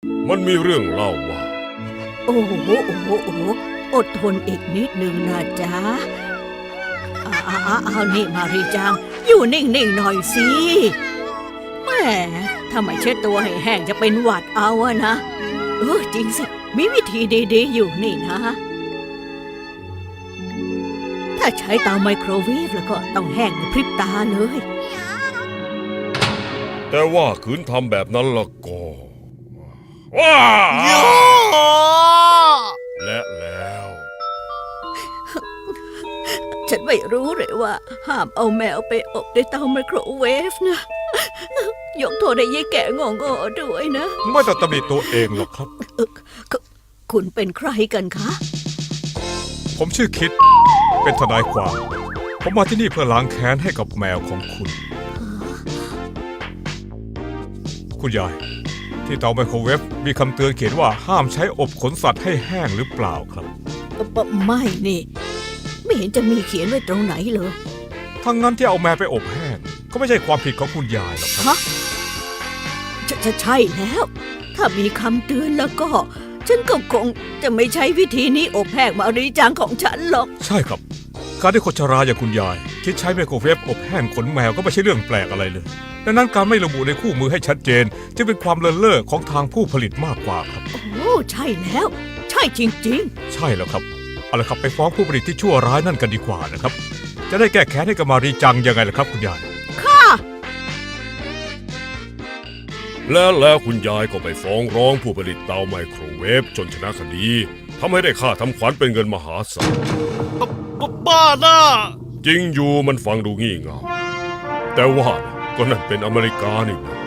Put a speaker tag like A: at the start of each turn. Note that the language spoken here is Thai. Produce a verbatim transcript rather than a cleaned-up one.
A: มันมีเรื่องเล่าว่า
B: โอ้โหโอ้โหโอ้โหอดทนอีกนิดหนึ่งนะจ๊ะเอาเอาเอาเอานี่มารีจัง อยู่นิ่งๆหน่อยสิแหมถ้าไม่เช็ดตัวให้แห้งจะเป็นหวัดเอาอะนะ เออจริงสิ มีวิธีดีๆอยู่นี่นะ ถ้าใช้เตาไมโครเวฟแล้วก็ต้องแห้งในพริบตาเลย
A: แต่ว่าขืนทำแบบนั้นละก็ว้าและแล้ว
B: ฉันไม่รู้เลยว่า ห้ามเอาแมวไปอบในเตาไมโครเวฟนะ ยกโทษให้ยายแก่งงอๆด้วยนะ
C: ไม่ต้องตำหนิตัวเองหรอกครับ
B: เอ่อคุคุณเป็นใครกันคะ
C: ผมชื่อคิด เป็นทนายความ ผมมาที่นี่เพื่อล้างแค้นให้กับแมวของคุณ คุณยาย ที่เตาไมโครเวฟมีคำเตือนเขียนว่าห้ามใช้อบขนสัตว์ให้แห้งหรือเปล่าครับ
B: ปะไม่นี่ ไม่เห็นจะมีเขียนไว้ตรงไหนเลย
C: ทั้งนั้นที่เอาแมวไปอบแห้งก็ไม่ใช่ความผิดของคุณยายหรอกครับ
B: ฮะจะจะใช่แล้ว ถ้ามีคำเตือนแล้วก็ ฉันก็คงจะไม่ใช้วิธีนี้อบแห้งมารีจังของฉันหรอก
C: ใช่ครับ การที่คนชราอย่างคุณยาย คิดใช้ไมโครเวฟอบแห้งขนแมวก็ไม่ใช่เรื่องแปลกอะไรเลยดังนั้นการไม่ระบุในคู่มือให้ชัดเจนจึงเป็นความเลินเล่อของทางผู้ผลิตมากกว่าครับ
B: โอ้ใช่แล้ว ใช่จริง
C: ใช่แล้วครับเอาละครับไปฟ้องผู้ผลิตที่ชั่วร้ายนั่นกันดีกว่านะครับ จะได้แก้แค้นให้กับมารีจังยังไงล่ะครับคุณยาย
B: ๆ ค่ะ
A: แล้วแล้วคุณยายก็ไปฟ้องร้องผู้ผลิตเตาไมโครเวฟจนชนะคดีทำให้ได้ค่าทำขวัญเป็นเงินมหาศาล
D: บ้าน่ะ
A: จริงอยู่มันฟังดูงี่เง่าแต่ว่าก็นั่นเป็นอเมริกานี่นะ